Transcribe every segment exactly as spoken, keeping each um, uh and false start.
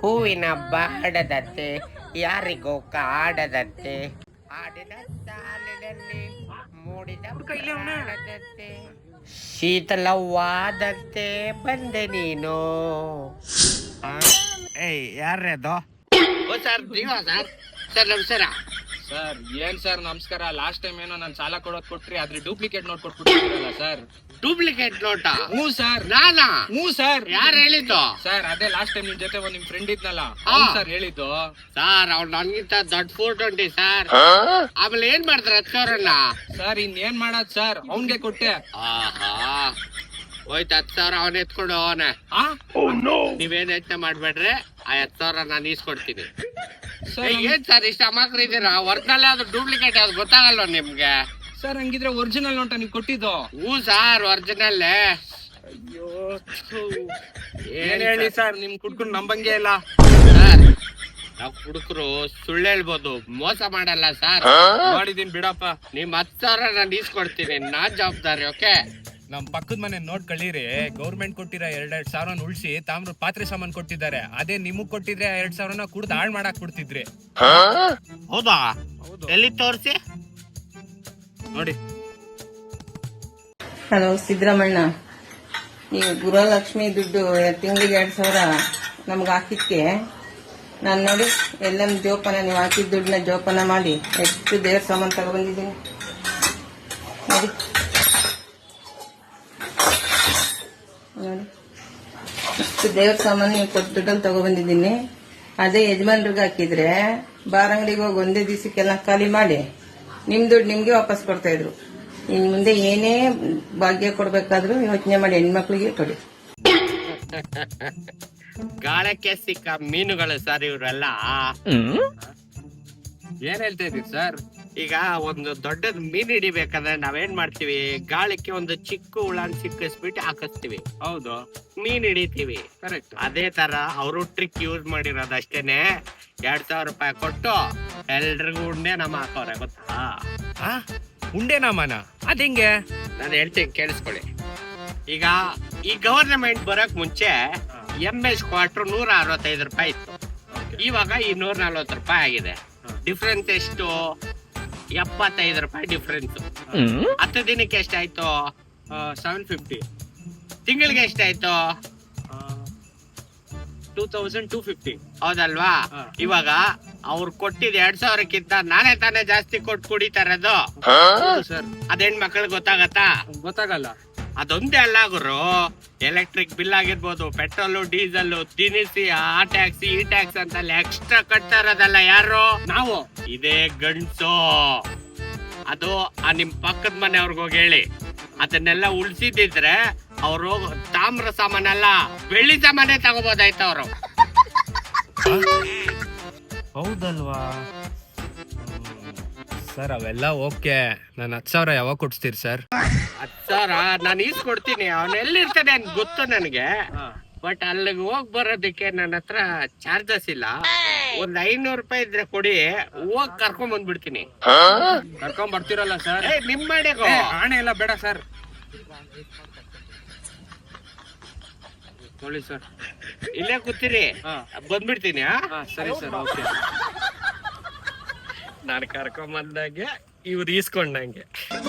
ಹೂವಿನ ಬಾಡದಂತೆ ಯಾರಿಗೂ ಕಾಡದಂತೆ ಆಡಿದ ಸಾಲಿನಲ್ಲಿ ಮೂಡಿದ ಪ್ರಾಣದಂತೆ ಶೀತಲವಾದಂತೆ ಬಂದೆ ನೀನು. ಏಯ್ ಯಾರ್ರದು? ಓ ಸರ್ ನೀವ ಸರ್? ಸರ್ ನಮಸ್ಕಾರ. ಸರ್ ಏನ್ ಸರ್ ನಮಸ್ಕಾರ? ಲಾಸ್ಟ್ ಟೈಮ್ ಏನೋ ನಾನು ಸಾಲ ಕೊಡೋದ್ ಕೊಟ್ರಿ, ಆದ್ರೆ ಡೂಪ್ಲಿಕೇಟ್ ನೋಟ್ ಕೊಟ್ಬಿಟ್ಟಿರಲ್ಲ ಸರ್. ಡೂಪ್ಲಿಕೇಟ್ ನೋಟಾ? ಹ್ಞೂ ಸರ್. ನಾನಾ? ಹ್ಞೂ ಸರ್. ಯಾರು ಹೇಳಿದ್ದು? ಸರ್ ಅದೇ ಲಾಸ್ಟ್ ಟೈಮ್ ನಿಮ್ ಜೊತೆ ಒಂದ್ ನಿಮ್ ಫ್ರೆಂಡ್ ಇದ್ನಲ್ಲ ಸರ್ ಹೇಳಿದ್ದು. ಸರ್ ಅವ್ನು ನನ್ಗಿಂತ ದೊಡ್ಡ ಫೋರ್ ಟ್ವೆಂಟಿ ಸರ್. ಆಮೇಲೆ ಏನ್ ಮಾಡ್ತಾರೆ ಹತ್ತು ಸಾವಿರನ್ನ? ಸರ್ ಇನ್ನೇನ್ ಮಾಡದ್ ಸರ್, ಅವ್ನ್ಗೆ ಕೊಟ್ಟೆ. ಆಹಾ ಹೋಯ್ತು ಹತ್ತು ಸಾವಿರ ಅವನ್ ಎತ್ಕೊಂಡು ಅವನ. ನೀವೇನ್ ಯೋಚನೆ ಮಾಡ್ಬೇಡ್ರಿ, ಆ ಹತ್ತು ಸಾವಿರ ನಾನು ಈಸ್ಕೊಡ್ತೀನಿ. ಏನ್ ಸರ್ ಇಷ್ಟ ಅಮಾಕ್ರ ಇದೀರಾ? ಒರಿಜಿನಲ್ ಯಾವ್ದು ಡೂಪ್ಲಿಕೇಟ್ ಯಾವ್ದು ಗೊತ್ತಾಗಲ್ವ ನಿಮ್ಗೆ? ಸರ್ ಹಂಗಿದ್ರೆ ಒರಿಜಿನಲ್ ನೋಟ ನೀವು ಕೊಟ್ಟಿದ್ದು? ಹ್ಞೂ ಸರ್ ಒರಿಜಿನಲ್. ಅಯ್ಯೋ ಏನ್ ಹೇಳಿ ಸರ್, ನಿಮ್ ಕುಡ್ಕೊಂಡು ನಂಬಂಗೆ ಇಲ್ಲ ಸರ್. ನಾವ್ ಹುಡುಕರು ಸುಳ್ಳು ಹೇಳ್ಬೋದು, ಮೋಸ ಮಾಡಲ್ಲ ಸರ್. ಮಾಡಿದೀನಿ ಬಿಡಪ್ಪ. ನಿಮ್ ಹತ್ತು ಸಾವಿರ ನಾನು ಈಸ್ಕೊಡ್ತೀನಿ, ನಾನ್ ಜವಾಬ್ದಾರಿ. ಓಕೆ ನಮ್ ಪಕ್ಕದ ಮನೆ ನೋಟ್ ಕಳೀರಿ, ಗೌರ್ಮೆಂಟ್ ಕೊಟ್ಟಿರೋ ಎರಡೆರಡ್ ಸಾವಿರ ಉಳಿಸಿ ತಾಮ್ರ ಪಾತ್ರೆ ಸಾಮಾನ್ ಕೊಟ್ಟಿದ್ದಾರೆ. ಅದೇ ನಿಮಗ್ ಕೊಟ್ಟಿದ್ರೆ ಎರಡ್ ಸಾವಿರನ ಕುಡ್ದು ಹಾಳ್ ಮಾಡಾಕ್ ಕೊಡ್ತಿದ್ರಿ. ಹೌದಾ? ಎಲ್ಲಿ ತೋರಿಸಿ ನೋಡಿ. ಹಲೋ ಸಿದ್ದರಾಮಣ್ಣ, ನೀವು ಗೃಹಲಕ್ಷ್ಮಿ ದುಡ್ಡು ತಿಂಗಳಿಗೆ ಎರಡ್ ಸಾವಿರ ನಮ್ಗೆ ಹಾಕಿದ್ಕೆ ನಾನು ನೋಡಿ ಎಲ್ಲ ಜೋಪಾನ, ನೀವು ಹಾಕಿದ ದುಡ್ಡನ್ನ ಜೋಪಾನ ಮಾಡಿ ಎಷ್ಟು ದೇವ್ರ ಸಾಮಾನು ತಗೊಬಂದಿದ್ದೀನಿ ನೋಡಿ. ನೋಡಿ ಇಷ್ಟು ದೇವ್ರ ಸಾಮಾನು ನೀವು ಕೊಟ್ಟು ದುಡ್ಡಲ್ಲಿ ತಗೊಬಂದಿದ್ದೀನಿ. ಅದೇ ಯಜಮಾನ್ರಿಗೆ ಹಾಕಿದ್ರೆ ಬಾರ್ ಅಂಗಡಿಗೆ ಹೋಗಿ ಒಂದೇ ದಿವಸಕ್ಕೆಲ್ಲ ಖಾಲಿ ಮಾಡಿ ನಿಮ್ ದುಡ್ಡು ನಿಮ್ಗೆ ವಾಪಸ್ ಕೊಡ್ತಾ ಇದ್ರು. ಇನ್ ಮುಂದೆ ಏನೇ ಭಾಗ್ಯ ಕೊಡ್ಬೇಕಾದ್ರೂ ಯೋಚನೆ ಮಾಡಿ ಹೆಣ್ಮಕ್ಳಿಗೆ ಕೊಡಿ. ಗಾಳಕ್ಕೆ ಸಿಕ್ಕ ಮೀನುಗಳು ಸರ್ ಇವರೆಲ್ಲ. ಏನ್ ಹೇಳ್ತಾ ಇದೀರಿ ಸರ್? ಈಗ ಒಂದು ದೊಡ್ಡದ್ ಮೀನ್ ಹಿಡಿಬೇಕಂದ್ರೆ ನಾವೇನ್ ಮಾಡ್ತೀವಿ, ಗಾಳಕ್ಕೆ ಒಂದು ಚಿಕ್ಕ ಹುಳನ್ ಸಿಕ್ಕಿಸ್ಬಿಟ್ಟು ಹಾಕಿಸ್ತೀವಿ. ಹೌದು, ಮೀನ್ ಹಿಡಿತೀವಿ. ಕರೆಕ್ಟ್. ಅದೇ ತರ ಅವರು ಟ್ರಿಕ್ ಯೂಸ್ ಮಾಡಿರೋದು ಅಷ್ಟೇನೆ. ಎರಡ್ ಸಾವಿರ ರೂಪಾಯಿ ಕೊಟ್ಟು ಎಲ್ರಿಗೂ ಉಂಡೆ ನಮ್ಮ ಹಾಕೋರೆ, ಗೊತ್ತಾ? ಉಂಡೆ ನಾಮನ ಅದ್ ಹೆಂಗೆ? ನಾನು ಹೇಳ್ತೀನಿ ಕೇಳಿಸ್ಕೊಳ್ಳಿ. ಈಗ ಈ ಗವರ್ನಮೆಂಟ್ ಬರಕ್ ಮುಂಚೆ ಎಂ ಎಸ್ ಕ್ವಾರ್ಟರ್ ನೂರ ಅರವತ್ತೈದು ರೂಪಾಯಿ ಇತ್ತು. ಇವಾಗ ಈ ನೂರ ನಲ್ವತ್ತು ರೂಪಾಯಿ ಆಗಿದೆ. ಡಿಫ್ರೆನ್ಸ್ ಎಷ್ಟು? ಎಪ್ಪತ್ತೈದು ರೂಪಾಯಿ ಡಿಫ್ರೆನ್ಸ್. ಹತ್ತು ದಿನಕ್ಕೆ ಎಷ್ಟಾಯ್ತು? Seven fifty. ತಿಂಗಳಿಗೆ ಎಷ್ಟಾಯ್ತು? Two thousand two fifty. ಹೌದಲ್ವಾ? ಇವಾಗ ಅವ್ರು ಕೊಟ್ಟಿದ್ ಎರಡ್ ಸಾವಿರಕ್ಕಿಂತ ನಾನೇ ತಾನೇ ಜಾಸ್ತಿ ಕೊಟ್ಟು ಕುಡಿತಾರದು ಸರ್. ಅದ್ ಹೆಣ್ಮಕ್ಳಿಗೆ ಗೊತ್ತಾಗತ್ತಾ? ಗೊತ್ತಾಗಲ್ಲ. ಅದೊಂದೇ ಅಲ್ಲ ಗುರು, ಎಲೆಕ್ಟ್ರಿಕ್ ಬಿಲ್ ಆಗಿರ್ಬೋದು, ಪೆಟ್ರೋಲು ಡೀಸೆಲ್, ದಿನಸಿ, ಆ ಟ್ಯಾಕ್ಸ್ ಈ ಟ್ಯಾಕ್ಸ್ ಅಂತ ಎಕ್ಸ್ಟ್ರಾ ಕಟ್ತಾ ಇರೋದಲ್ಲ ಯಾರು? ನಾವು. ಇದೇ ಗಂಡ್ಸು. ಅದು ಆ ನಿಮ್ ಪಕ್ಕದ ಮನೆಯವ್ರಿಗೆ ಹೋಗಿ ಹೇಳಿ. ಅದನ್ನೆಲ್ಲ ಉಳ್ಸಿದ್ರೆ ಅವರು ತಾಮ್ರ ಸಾಮಾನಲ್ಲ ಬೆಳ್ಳಿ ಸಾಮಾನೇ ತಗೋಬೋದಾಯ್ತು ಅವರು. ಹೌದಲ್ವಾ ಸರ್? ಅವೆಲ್ಲ ಓಕೆ. ನಾನು ಹತ್ತು ಸಾವಿರ ಯಾವಾಗ ಕೊಡ್ಸ್ತೀರಿ ಸರ್? ಹತ್ತು ಸಾವಿರ ನಾನು ಈಸ್ಕೊಡ್ತೀನಿ. ಅವನ್ ಎಲ್ಲಿರ್ತಾನೆ ಅಂತ ಗೊತ್ತು ನನಗೆ. ಬಟ್ ಅಲ್ಲಿಗೆ ಹೋಗ್ ಬರೋದಕ್ಕೆ ನನ್ನ ಹತ್ರ ಚಾರ್ಜಸ್ ಇಲ್ಲ. ಒಂದ್ ಐನೂರು ರೂಪಾಯಿ ಇದ್ರೆ ಕೊಡಿ, ಹೋಗ್ ಕರ್ಕೊಂಡ್ ಬಂದ್ಬಿಡ್ತೀನಿ. ಕರ್ಕೊಂಡ್ ಬರ್ತಿರಲ್ಲ ಸರ್? ನಿಮ್ ಮಾಡಿಗೋ ಆಣೆ ಎಲ್ಲ ಬೇಡ ಸರ್. ನೋಡಿ ಸರ್, ಇಲ್ಲೇ ಕೂತಿರಿ, ಬಂದ್ಬಿಡ್ತೀನಿ. ಸರಿ ಸರ್, ಓಕೆ. ನಾನು ಕರ್ಕೊಂಡ್ ಬಂದಾಗೆ ಇವ್ರು ಈಸ್ಕೊಂಡಂಗೆ.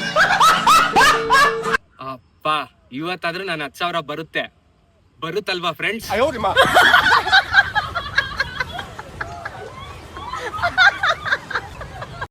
ಅಪ್ಪ ಇವತ್ತಾದ್ರೂ ನಾನು ಹತ್ತು ಸಾವಿರ ಬರುತ್ತೆ. ಬರುತ್ತಲ್ವಾ ಫ್ರೆಂಡ್ಸ್?